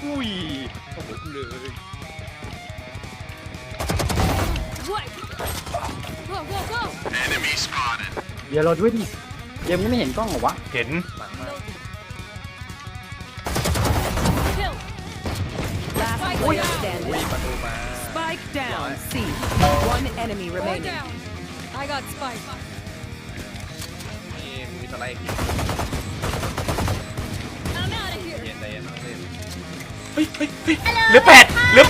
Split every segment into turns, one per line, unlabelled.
อุ้ยโอ้โหเลย
เดี๋ยวเราด้วยดิเดี๋ยวมึงไม่เห็นกล้องเหรอวะ
เห็น
หลังมา
Last player
อุ้ย
standing.
ประตูมา
Spike down. C. One enemy remaining.
I got spike.
นี่มีสไลด์
I'm out of here.
เย็นใจเย็นต้องเล่น
เฮ้ยเหลือแปด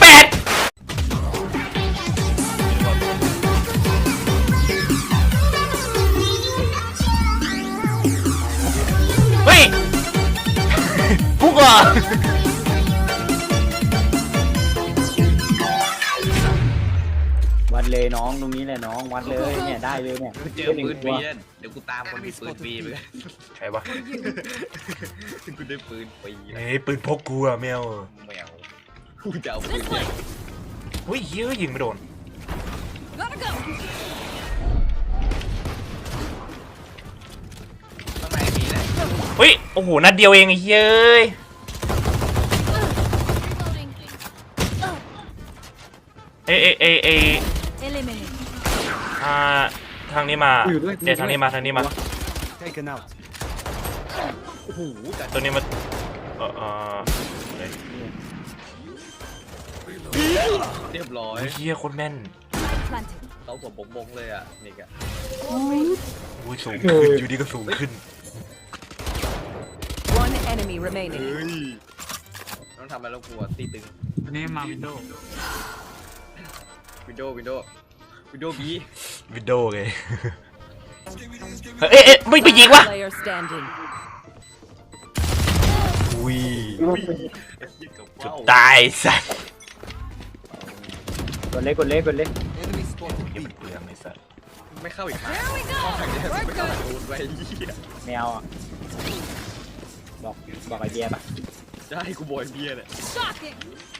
เฮ้ยพุกอ่ะ
วัดเลยน้องตรงนี้แหละน้องวัดเลยเนี่ยได้เลยเนี่ย
เจอปืนบีเดี๋ยวกูตามคนมีปืนบีไปเลย
ใครวะ
กูได้ปืนบี
เฮ้ยปืนพกกูอะแมว
แมวกูจะเอาปืน
เฮ้ยเฮ้ยยิงไม่โดน
Gotta go.
ข้างในมีนะ
เฮ้ยโอ้โหนัดเดียวเองไอ้เฮ้ย
Reloading.
เอ้
Eliminate.
ทางนี้มาเดี๋ยวทางนี้มา
Taken out.
โอ้โหจัด
ตัวนี้มา
เรียบร้อย
เฮียโคตรแม่น
Planted.
เขาสมบงเลยอ่ะนี่กะ
อุ้ยสูงขึ้นอยู่ดีก็สูงขึ้น
One enemy remaining.
ต้องทำอะไรแล้วกลัวตีตึง
วันนี้มาวินโดว์
วินโดว์บี
วิดโดว์เลยไม่ไปยิงวะ
Player standing.
อุ้ย
ยิงกับ
จุด
ว้าว
ตายสัส
กดเล็ก
enemy spotted
เฮียมันเปลืองไอ้สัส
ไม่เข้าอีกครั้ง
There we go.
ไม่
We're
เข้า
good.
ตูนไปเหี้ย
แมวอ่ะบอกไอเดียป่ะ
จะให้กูบอยเบียร์เนี่ย
Shocking.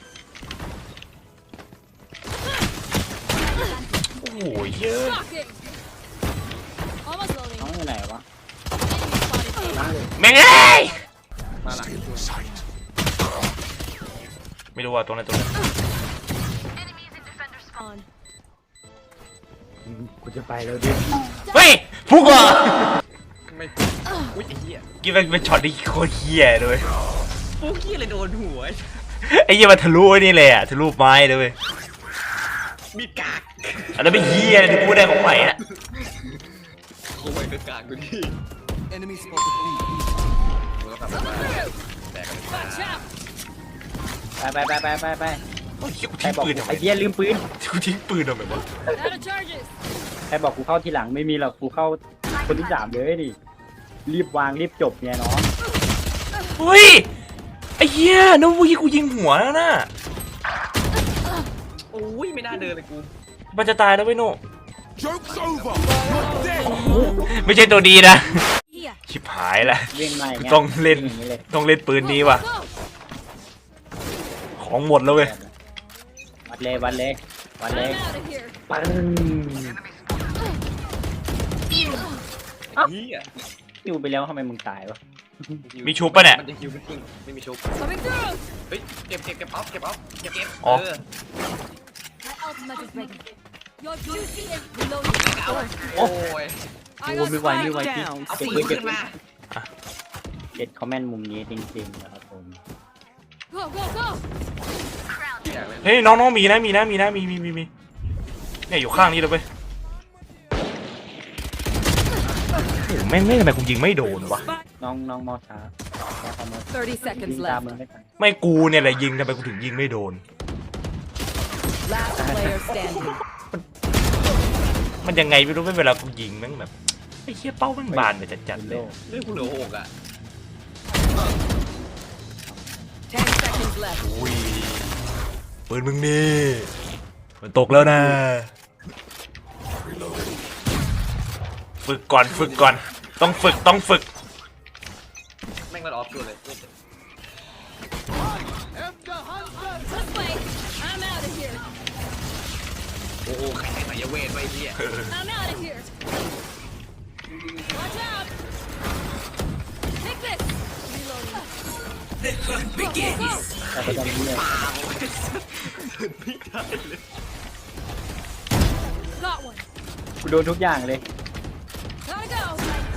โอ้โหเยอะ
Shocking. Almost loading.
น้องอยู่ไหนวะ
Enemy spotted.
นั่งเลย
แม่งเอ้ย
มาหลัง
ไม่รู้ว่าตัวไหนตัวไหน
On.
กูจะไปแล้วดิ
เฮ้ยพุกอ่ะ
ไม่อุ้ยไอ้เหี้ย
กินเป็นช็อตที่โคตรเฮียเลย
ปุ๊กเหี้ยเลยโดนหัว
ไอ้เหี้ยมันทะลุไอ้นี่เลยอะทะลุไม้เลยเว้ย
มีดกาก
อันนั้นไม่เฮียเลยที่พูดได้ของใหม่อะ
กูไปกากกูดิ
enemy spotted B.
กูต้องทำอะไรแตกกัน
Watch out.
ไป
โอ้ยกู
ใคร
ทิ้ง
บอก
ปืนทำไม
ไอเดียลืมปืน
กูทิ้งปืนทำไมวะ
Out of charges.
ใครบอกกูเข้าทีหลังไม่มีหรอกกูเข้าคนที่3เลยดิรีบวางรีบจบเนี่ยน้อง
เฮ้ยไอ้เหี้ยนึกว่ากูยิงหัวแล้วนะ
โอ้ยไม่น่าเดินเลยกู
มันจะตายแล้วเว้ยโน่
Joke's over. You're dead.
ไม่ใช่ตัวดีนะ
Here.
ชิบหายละ
เล่นมาอย่างเงี้ย
ต้องเล่น
อย่างงี้เลย
ต้องเล่นปืนนี้ว่ะ
Go.
ของหมดแล้วเว้ย
วัดเลย
I'm out of here.
ปัง
เหี้ย
คิวไปแล้วทำไมมึงตายวะ
มีชุบปะเนี่ย
มันจะคิวไม่กิ้งไม่มีชุบ
Coming through.
เฮ้ยเก็บออฟเก็บเออ
My ultimate is ready. Your duty is reloading.
โอ้ย
I
โอ้
got
ไม่ไหว
spike.
ไม่ไหวจริง
down.
เอา
เก็บ
ปื
ปื
น
นเก็
ขึ้
บ
นมา
เก็บคอมเมนต์มุมนี้จริงๆนะครับผม
Go, go, go.
อยากเล่น
เฮ้ยน้องๆมีเนี่ยอยู่ข้างนี้เลยเว้ยโอ้โหแม่งทำไมกูยิงไม่โดนวะ
น้องมอช้าแค่คอมเมนต์
30
ยิ
seconds
งตาม
left.
มึงไม่ทัน
ไม่กูเนี่ยแหละยิงทำไมกูถึงยิงไม่โดน
Last player standing.
มันยังไงไม่รู้เวลากูยิงแม่งแบบไอ้เหี้ยเป้าแม่งบานไปจัดๆเลย
เรื่องกูเหลือ6อ่ะ
10 seconds left.
อุ้ยปืนมึงนี่มันตกแล้วนะฝึกก่อนต้องฝึก
แม่งมันออฟชัวร์เลย
This way. I'm out of here.
โอ้โหใครใส่ยเวทไว้เหี้ย
I'm out of here. Watch out. Take this. Reloading.
แต่ก็จะมีเนี่ย
Got one.
กูโดนทุกอย่างเลย
Gotta go.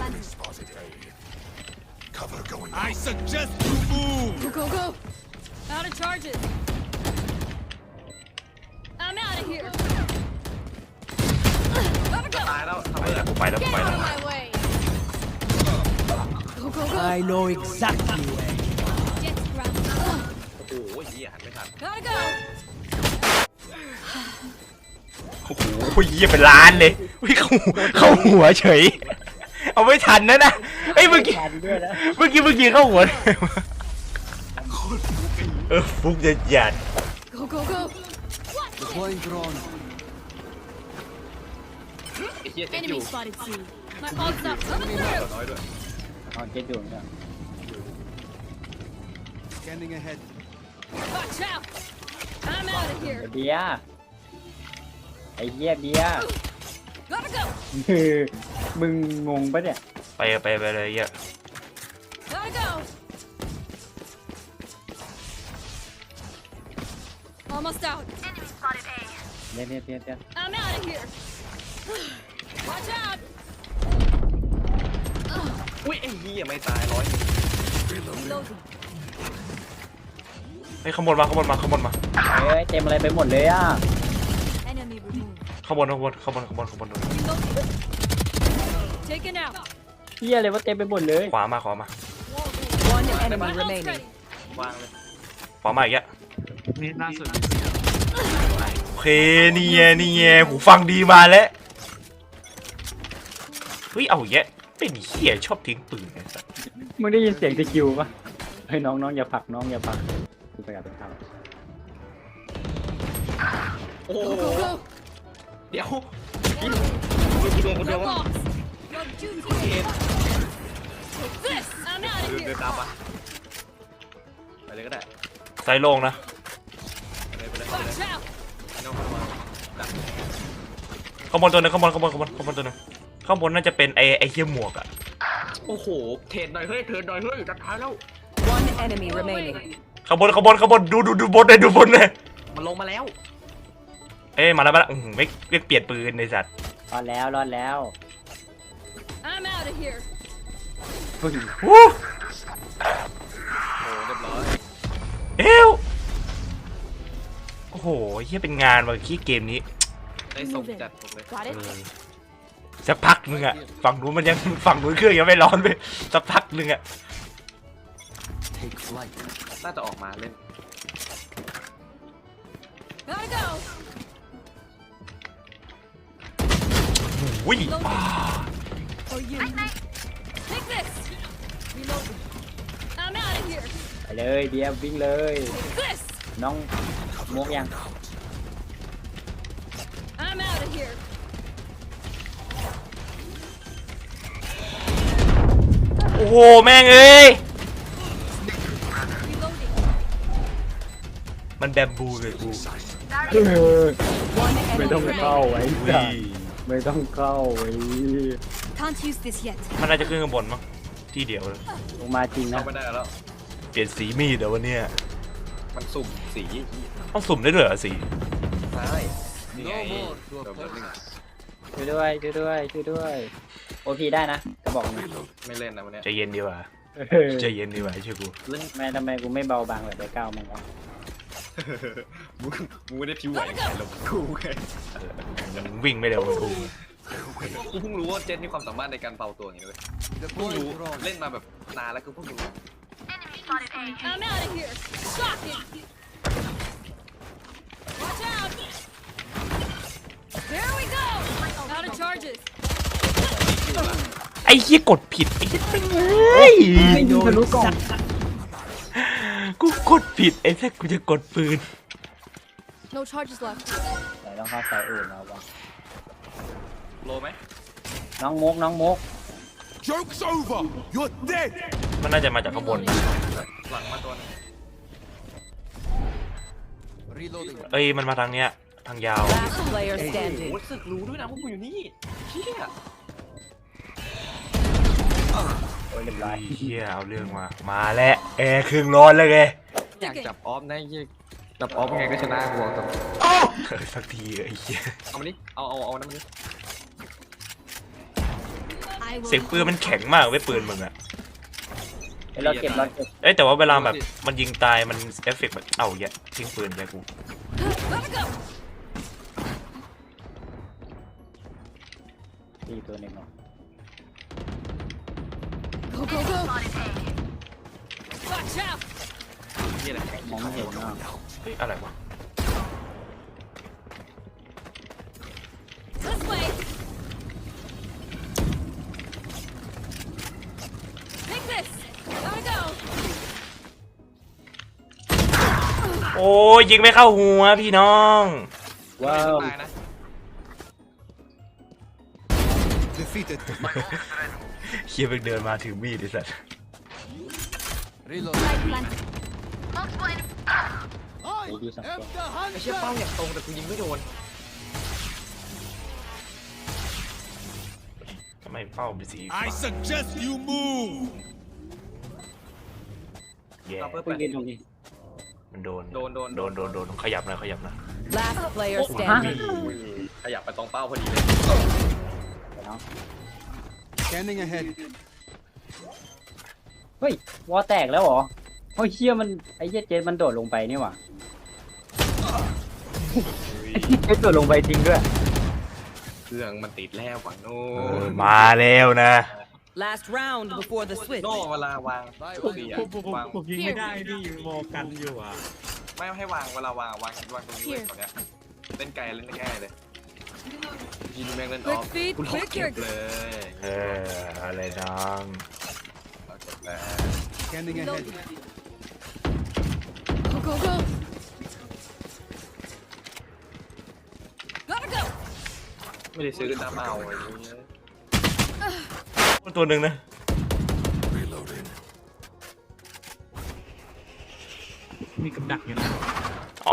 I suggest you move.
Go, go, go. Out of charges. I'm out of here. Gotta go.
ตายแล้วทำไมล่ะ
กูไปแล้วกู
Get
ไป
out
แล้ว
of my way. Go, go, go.
I know exactly where.
Get grounded.
โอ้โหเหี้ยหันไม่ทัน
Gotta go.
โอ้โหเยี่ยเป็นล้านเลยวิ่งเข้าหัวเฉย เอาไม่ทันนะเฮ้ยเมื่อกี้
ทันด้วยนะ
เมื่อกี้เข้าหัวฟุกจะหยัด
Go, go, go.
Deploying drone.
ไอ้เหี้ยเจ็บอยู่
Enemy spotted C. My ult's up. Coming through.
น้อยด้วย
อ๋อเจ็ดอยู่เนี่ย
Scanning ahead.
Watch out. I'm out of here.
เบียร์ไอ้เหี้ยเบียร์
Gotta go.
มึงงงปะเนี่ย
ไปเลยเหี้ย
Gotta go. Almost out.
เนี่ย
I'm out of here. Watch out.
อุ้ยไอ้เหี้ยไม่ตาย100
Reloading.
เฮ้ยขางบวนมา
เฮ้ยเต็มอะไรไปหมดเลยอ่ะ
Enemy removed.
ข้างบน
Reloading. Taken out.
เหี้ยอะไรวะเต็มไปหมดเลย
ขวามา
One
My
enemy
ult's
remaining.
ready.
วางเลย
ขวามาอีกแล้ว
Need not
โอเคนี่ไงหูฟังดีมาแล้วเฮ้ยเอาอีกแล้วเป็นเหี้ยชอบทิ้งปืนไอ้สัส
มึงได้ยินเสียงตะคิวปะเฮ้ยน้องอย่าผลักน้องอย่าผลักกูไปกับเป็นข้าว
โอ้โห
Go, go, go.
เดี๋ยวกูโดนคนเดียว
No
วะ
bombs. Your duty is Take this. I'm out of
เดิน
here.
ตามปะไปเลยก็ได้
ไซโล่งนะ
ไปเลย
Watch out.
ไม่ต้องเข้ามาดัก
ข้างบนตัวหนึงข้างบนตัวหนึงข้างบนน่าจะเป็นไอ้เหี้ยหมวกอะ
โอ้โหเทรนหน่อยเฮ้ยจัดท้ายแล้ว
One enemy remaining.
ข้างบนดูบนเลย
มันลงมาแล้ว
เอ้ยมาแล้วไม่เปลี่ยนปืนในสัตว์
รอดแล้ว
I'm out of here.
วู้
โอ้เรียบร้อย
เอ้วโอ้โหเหี้ยเป็นงานว่ะขี้เกมนี้
ได้ส่งจัดผมเลย
Got it.
สักพักนึงอะฝั่งนู้นเครื่องยังไม่ร้อนไปสักพักนึงอะ
Take flight.
น่าจะออกมาเล่น
Gotta go.
อุ้ย
For you. Take this. Reloading. I'm out of here.
ไปเลยเบียร์วิ่งเลย
Take this.
น้องมกยัง
I'm out of here.
โอ้โหแม่งเอ้ย
Reloading.
มันแบมบูเลยกู
One
ไม่
enemy
ต้องเข้า
remaining.
ไว้
อุ้
จ้ะ
ย
ไม่ต้องเข้าไว้
Can't use this yet.
มันน่าจะขึ้นข้างบนมั้งที่เดียวเลย
ลงมาจริงนะ
เข้าไม่ได้แล้ว
เปลี่ยนสีมีดเดี๋ยววันเนี้ย
มันสุ่มสี
ต้องสุ่มได้ด้วยเหรอสี
ใช่นี่ไง
No more to
เดี๋ยว
oppose
นึง
us.
ช่วยด้วยโอพีได้นะกระบอกหนึง
ไม่เล่นนะวันเนี้ย
ใจเย็นดีกว่า
เออ
ใจเย็นดีกว่าเชื่อกู
เล่น
แม่ทำไมกูไม่เบาบางแบบได้ก้าวมั้งวะ
มึงไม่ได้ผิวไหวไงหรอกกูไง
มันวิ่งไม่เร็วเหมือนกู
กูเพิ่งรู้ว่าเจนมีความสามารถในการเป่าตัวอย่างนี้เลยเพิ่ง
Deploying
รู้
drone.
เล่นมาแบบนานแล้วกูเพิ่งรู้
I'm out of here. Shocking. Watch out. There we go. Out of charges.
ไอ้เหี้ยกดผิดไอ้เหี้ยเฮ้ย
ไม่ยิงทะลุกล่อง
กูกดผิดไอ้แท้กูจะกดปืน
No charges left.
ไหนต้องเข้าสายอื่นแล้ววะ
โลไหม
น้องมก
Joke's over. You're dead.
มันน่าจะมาจากข้างบน
หลังมาตัวนึง
Reloading.
เอ้ยมันมาทางเนี้ยทางยาว
Last player
โอ้
standing.
สึกรู้ด้วยนะว่ากูอยู่นี่เชี่ย
โอ้ยเรียบร้อย
เฮียเอาเรื่องมาแล้วแอร์ครึ่งร้อนเลยไง
อยากจับออฟนะยี่จับออฟยังไงก็ชนะกูบอกตรง
สักทีไอ้เฮีย
เอามาดิเอานั่นมาดิ
I will
เสียงปืนมันแข็งมากเว้ยปืนมึงอะ
เอ้ยเราเก็บ
เอ้ยแต่ว่าเวลาแบบมันยิงตายมันเอฟเฟกต์แบบเอ้าแย่ทิ้งปืนไปกู
gotta go.
ตีตัวหนึ่งเนาะ
Go go go. Watch out.
ยี่อะไร
มองไม่เห็นเนาะ
เฮ้ยอะไรวะ
This way. Take this. Gotta go.
โอ้ยยิงไม่เข้าหัวพี่น้อง
ว้าว
ตายนะ
Defeated.
เฮียไปเดินมาถือมีดไอ้สัส
Reloading.
Light plant.
โอ้ยดูสังเกต
ไอ้เชี่ยเป้าอย่างตรงแต่กูยิงไม่โดน
ทำไมเป้าเป็นสีฟ้า
I suggest you move.
แย่
เอาเพิ่ม
คุ
ไป
ยเรียนตรงนี้
มันโดน
โดน
ขยับหนะขยับหนะ
Last player standing.
ขยับไปตรงเป้าพอดีเลย
เนาะ
Scanning ahead.
เฮ้ยวอแตกแล้วเหรอโอ้ยเชี่ยมันไอ้เหี้ยเจนมันโดดลงไปนี่หว่าเจนโดดลงไปจริงด้วย
เครื่องมันติดแล้วฝั่งโน้
มาแล้วนะ
Last round before the switch.
โน่เวลาวางทุกทีอะวาง
ผมยิงไม่ได้พี่โมกันอยู่อ่ะ
ไม่ให้วางเวลาวางตรงนี้ไว้ตอนเนี้ยเล่นไกลเล่นง่ายเลยยิงแม่งเล่นออฟ
Quick feet,
คุณหลอก
quick
เก็บ
your-
เลย
อะไรน้อง
เราเก็บแล้ว
Scanning ahead.
Loading. Go go go. Gotta go.
ไม่ได้ซื้อน้ำเอาไอ้เงี้ย
ตัวหนึ่งนะ
Reloading.
มีกับดักอยู่นะ
อ๋อ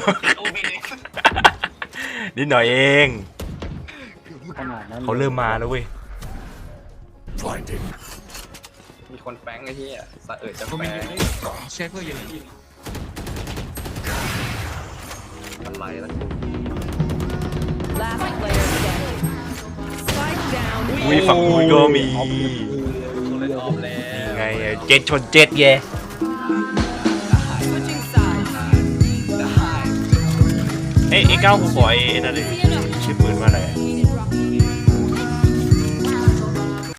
นิดหน่อยเอง
ขนาดนั้น
เขาเริ่มมาแล้วเว้ย
Blinding.
มีคนแฝงไอ้ที่อ่ะสะเอิดจะ
ก็
แฝ
มี
ง
เชฟเพื่ออยู่ในที่
อะไรล่ะ
Last player standing. Spike down.
อุ้ยฝั่งกูก็มี
เล่นออฟแล้ว
ไงอะเจ็ดชนเจ็ดแย่
Switching sides.
เอ้ยไอ้ก้าวกูขอไอ้นั่นเลย